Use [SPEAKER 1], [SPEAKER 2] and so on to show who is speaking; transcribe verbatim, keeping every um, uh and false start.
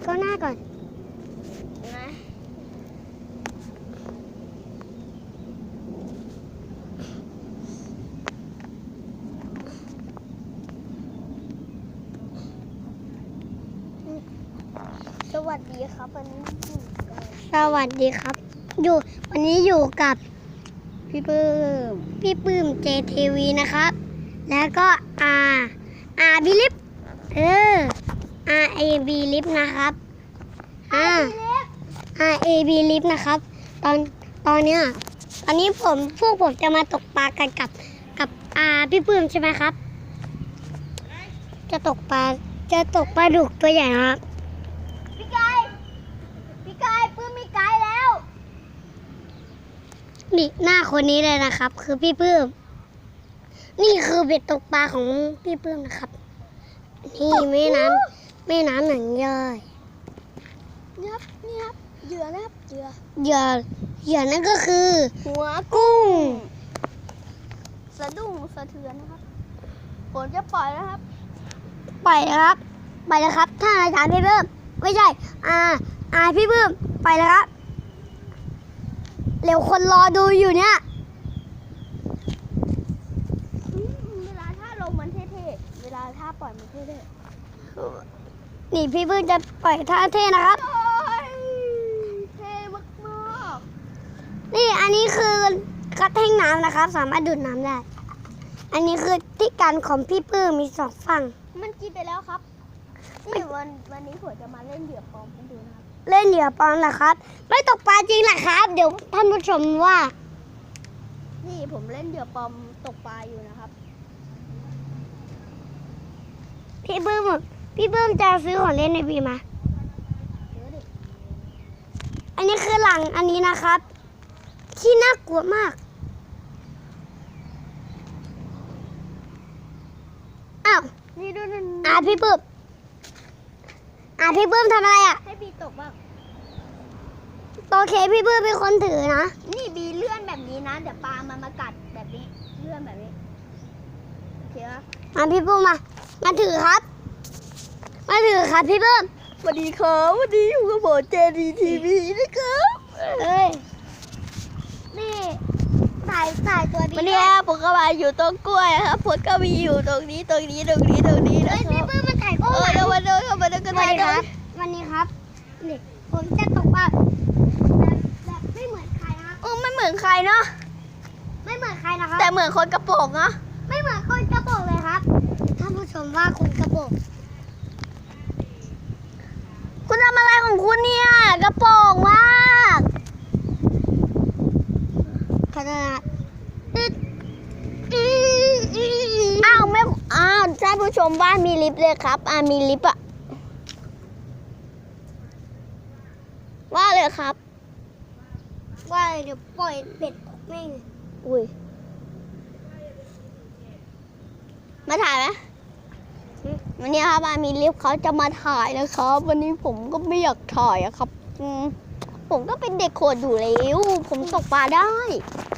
[SPEAKER 1] เข้าหน้าก่อน
[SPEAKER 2] นะสวัสดีครับวันนี้
[SPEAKER 1] สวัสดีครับอยู่วันนี้อยู่กับพี่ปื้มพี่ปื้ม เจ ที วี นะครับแล้วก็อาอาบิลิฟเอออาเอบีลิฟนะครับอาอาเอบีลิฟนะครับตอนตอนเนี้ยตอนนี้ผมพวกผมจะมาตกปลากันกับกับอาพี่ปื้มใช่ไหมครับจะตกปลาจะตกปลาดุกตัวใหญ่ครับ
[SPEAKER 2] พี่กายพี่กายปื้มมีไกด์แล้ว
[SPEAKER 1] นี่หน้าคนนี้เลยนะครับ คือพี่ปื้มนี่คือเบ็ดตกปลาของพี่ปื้มนะครับ นี่แม่น้ำแม่น้ำหนังย่อย
[SPEAKER 2] นี่ครับนี่ครับเหยื่อนะครับเหยื่อ
[SPEAKER 1] เหยื่อเหยื่อนั่นก็คือ
[SPEAKER 2] หัว
[SPEAKER 1] กุ้ง
[SPEAKER 2] สะดุ้งสะเทือนนะครับผมจะปล่อยนะครับ
[SPEAKER 1] ปล่อยนะครับไปแล้วครับถ้าอาจารย์พี่ปื้มไม่ใช่อ่าอ่าพี่ปื้มไปแล้วครับเร็วคนรอดูอยู่เนี่ย
[SPEAKER 2] เวลาถ้าลงมันเท่ๆเวลาถ้าปล่อยมันเท่
[SPEAKER 1] นี่พี่ปื้มจะปล่อยท่าเท่นะครับ
[SPEAKER 2] ๆโอ้ยเท่มาก
[SPEAKER 1] นี่อันนี้คือกระแท่งน้ำนะครับ สามารถดูดน้ำได้ อันนี้คือที่การของพี่ปื้มมีสองฝั่ง
[SPEAKER 2] ๆมันกินไปแล้วครับนี่วันวันนี้ผมจะมาเล่นเหยื่อปลอมให้ดูนะครับ
[SPEAKER 1] เล่นเหยื่อปลอมเหรอครับ ไม่ตกปลาจริงเหรอครับ เดี๋ยวท่านผู้ชมว่า
[SPEAKER 2] นี่ผมเล่นเหยื่อปลอมตกปลาอยู่นะครับ
[SPEAKER 1] พี่ปื้มพี่ปื้มจะซื้อของเล่นในบีมา
[SPEAKER 2] เดี๋ยวดิ
[SPEAKER 1] อันนี้คือหลังอันนี้นะครับ ที่น่ากลัวมากอ้าว
[SPEAKER 2] นี่ดูดู
[SPEAKER 1] อ่าพี่ปื้มอ่าพี่ปื้มทำอะไรอ่ะ
[SPEAKER 2] ให้บีตกบ้าง
[SPEAKER 1] โอเคพี่ปื้มเป็นคนถือนะ
[SPEAKER 2] นี่บีเลื่อนแบบนี้นะเดี๋ยวปลามันมากัดแบบนี้เลื่อนแบบนี้โอเคปะ
[SPEAKER 1] อ่าพี่ปื้มมามาถือครับ มาถือครับพี่ปื้ม
[SPEAKER 2] สวัสดีครับวันนี้อยู่กับผมเจดีทีวีนะครับ
[SPEAKER 1] เอ้ยนี่สายสายตัวดี
[SPEAKER 2] วันนี้ผมก็มาอยู่ตรงกล้วยครับผมก็มีอยู่ตรงนี้ตรงนี้ตรงนี้ตรงนี้นะ
[SPEAKER 1] เฮ้ย
[SPEAKER 2] ค
[SPEAKER 1] พี่
[SPEAKER 2] รับ
[SPEAKER 1] ปื้มมาถ่าย
[SPEAKER 2] เอ
[SPEAKER 1] คู่
[SPEAKER 2] อ
[SPEAKER 1] กัน
[SPEAKER 2] เดี๋ยววันนี้เข้ามาดูกัน
[SPEAKER 1] สวัสดีค
[SPEAKER 2] ได้
[SPEAKER 1] รับ วันนี้ครับนี่ผมจะตกปลาแบบไม่เหมือนใครนะครับ
[SPEAKER 2] เออไม่เหมือนใครเนาะ
[SPEAKER 1] ไม่เหมือนใครนะครับ
[SPEAKER 2] แต่เหมือนคนกระโปรงเนาะ
[SPEAKER 1] ไม่เหมือนคนกระโปรงเลยครับท่านผู้ชมว่าคนกระโปรง
[SPEAKER 2] คุณทำอะไรของคุณเนี่ยกระโปรงมาก
[SPEAKER 1] ขนาด
[SPEAKER 2] อ้าวไม่อ้าวท่านผู้ชมว่ามีลิฟต์เลยครับอ่ามีลิฟต์อะว่าเลยครับ
[SPEAKER 1] ว่าเดี๋ยวปล่อยเป็ดตกแม่ง
[SPEAKER 2] อุ้ยมาถ่ายไหมวันนี้ครับอามีลิฟต์เขาจะมาถ่ายนะครับ วันนี้ผมก็ไม่อยากถ่ายอะครับอืมผมก็เป็นเด็กโขดอยู่แล้วผมตกปลาได้